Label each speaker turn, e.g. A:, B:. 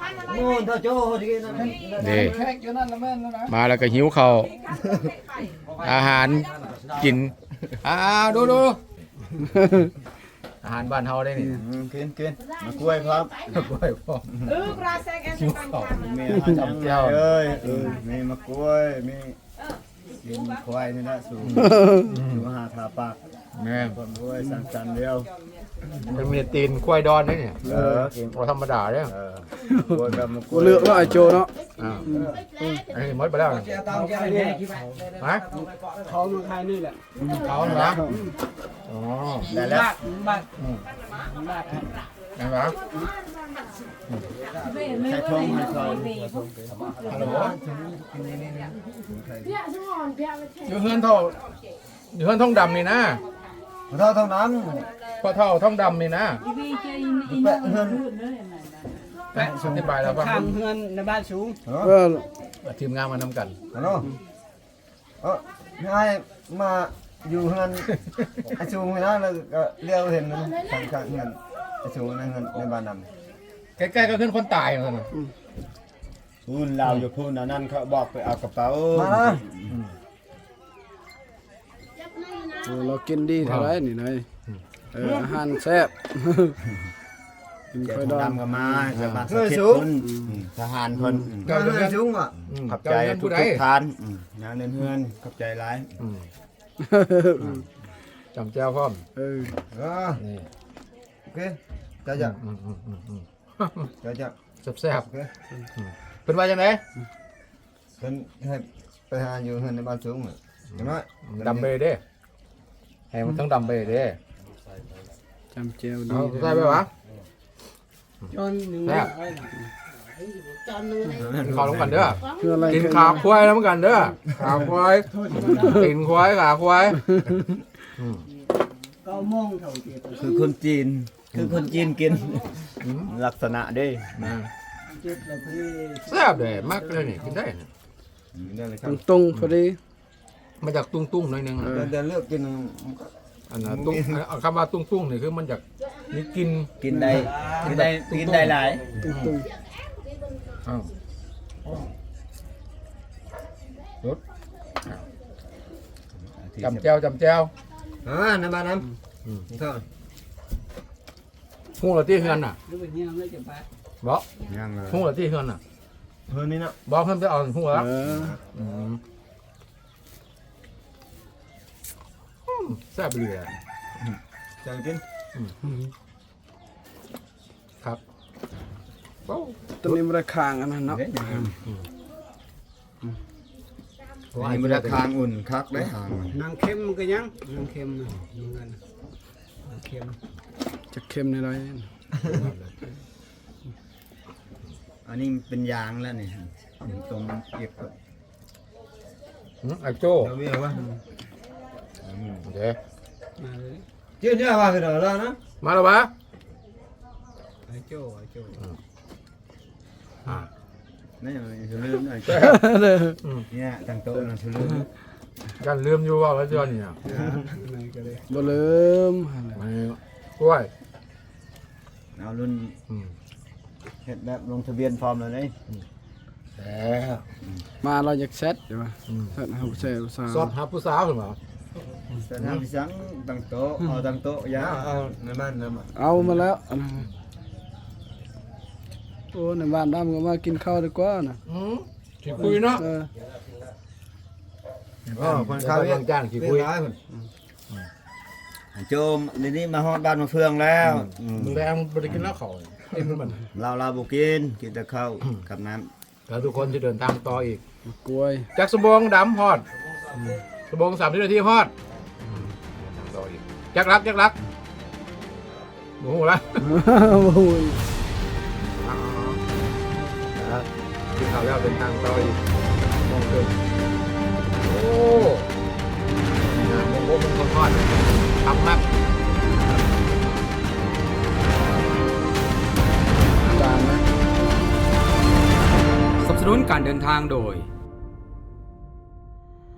A: นี่มาแล้วก็หิวข้าวอาหารกินดูอาหารบ้านเฮาได้นี่
B: กินมากล้วยครับ
A: กล้วยพร้อมหิวข้าว
B: มีอาหารจำเจ้ามีมากล้วยมีกินควายนี่นะสูงหาทาปาก
A: แม่น
B: คนด้วยสั่นๆเดียว
A: มันมีตีนควายดอนนี่เนี่ยบ่ธรรมดาเด้อก
B: ล้วยกับมากล้
C: กู
B: วย
C: เลือกว่าไอโจเนาะ
A: อันนี้หมดไปแล้วฮะ
C: เขามาขายนี่แหละ
A: เขาเหรออ๋อ
B: ได้แล้ว
A: ไงวะ
B: ใช้ทงให้เขา
A: ฮัลโหลอยู่เฮือนเท่าอยู่เฮือนท่องดำนี่นะ
B: เราเท่านั้น
A: พ่อเท่าท่องดำนี่นะ
B: แปะเงิน
A: แม่อธิบายแล้วว่า
C: ข้างเฮือนในบ้านสูง
A: ทีมงานมานำกัน
B: ฮัลโหลให้มาอยู่เงินไอ้ชูงนะแล้วก็เลี้ยวเห็นมันข้างเงินไอ้ชูงในเงินในบ้านนำ
A: ใกล้ๆก็ขึ้นคนตายเหมือนกัน
B: พูนเราอยู่พูนนั่นเขาบอกไปเอากระเป๋ามาละ
C: เรากินดีเท่าไรนี่นายอาหารแซ่บกิน
B: เจ้า
C: ไข่
B: ท
C: ด
B: ง
C: อง
B: ดำก็มาชาวบ้านสักเจ็ดคนทหารคนขอบใจทุกท่านงานเฮือนขอบใจหลาย
A: จำแจ้วพร้อม นี่
B: โอเคจะจะจะ
A: แซ่บๆเป็นว่าจังได๋
B: เป็นให้ไปหาอยู่เฮือนในบ้านสูงอย่างน้อย
A: ดำไปเด้ให้มันต้องดำไปเด้
C: จำเจียวดี
A: เอาใส่ไปวะ
C: จนหนึ่ง
A: แซ่บกินข้าวลงกันเด้อ
C: คืออะไร
A: กินขาควายแล้วเหมือนกันเด้อขาควายกินควายขาควาย
C: ก็มองเท่าเจียว
B: คือคนจีนกินลักษณะเด้
C: เจ็ดแล้วพี่
A: แซ่บเด้มากเลยนี่กินได้
C: ตรงพอดี
A: มาจากตุ้งๆหน่อยนึง
B: เดินเลือกกิน
A: อันน่ะตุ้งเอาคำว่าตุ้งๆนี่คือมันจากนี่กิน
B: กินได้หลาย
C: ตรง
A: อ้าวรสจำแจ้ว
B: ในบ้านน้ำนี่เท่า
A: หุ้งละที่เฮือนน่ะ
C: ๆหรือเป็นยังไม่จะไป
A: บ่
B: ยังเลย
A: หุ้งละที่เฮือนน่ะ
B: เพื่อนนี่นะ
A: บ่เพิ่นไปเอาหุ้งละแซ่บเลย
B: จะกิน
A: ครับโอ้
C: ตัวนี้มันราคางอันนั้นเนาะ
B: อันนี้มันราคาอุ่นคักได้หาง
C: นางเค็มก็ยังนางเค็มนะเหมือนกันนางเค็มจะเค็มในไร
B: อันนี้เป็นยางแล้วนี่ตรงเก็บกับ
A: ไอ้โจ้
B: เราเรียกว่า
A: เดี๋ยว
C: มาเลย
B: เจ้าเนี่ยว่าคือเรานะ
A: มาแล้ววะ
C: ไอ้โจ้
B: นี่จะลืมหน่อยเนี่ยตั้งโต๊ะนะจะลืม
A: กันลืมอยู่ว่าแล้วเจ้านี่อ่ะ
C: บ่ลืม
A: มากล้วย
B: เอารุ่นเห็ดแบบลงทะเบียนฟอร์มเลยนี่
A: แล้ว
C: มาเราอยากเซตใช่ป่ะเซตเฮาเซลสาว
A: สอบหาผู้สาวขึ้นมา
B: แต่ทำพิสังตั้งโต๊ะเอาตั้งโต๊ะยาเอาในบ้านนะมา
C: เอามาแล้วโอ้ในบ้านดำก็มากินข้าวดีกว่านะ
A: ขี้คุยเนาะ
B: คนข้าว
A: บางจานขี้คุย
B: โจมเดี๋ยวนี้มาฮอดบ้านมาเฟืองแล้ว
A: มึงแรงบริกินแล้วเขาเอ็มมัน
B: เราบุกินแต่ข้าวกับน้
A: แล้วทุกคนจะเดินทางต่ออีก
C: กล้วย
A: จากสมบงดำฮอดสมบง30 นาทีฮอดทางต่ออีกจักรักโอ้โหละ
C: โอ้ย
A: กินข้าวแล้วเดินทางต่ออีกมองเกินโอ้โหมันคนฮอดทำมาก
C: จานนะ
D: สนับสนุนการเดินทางโดย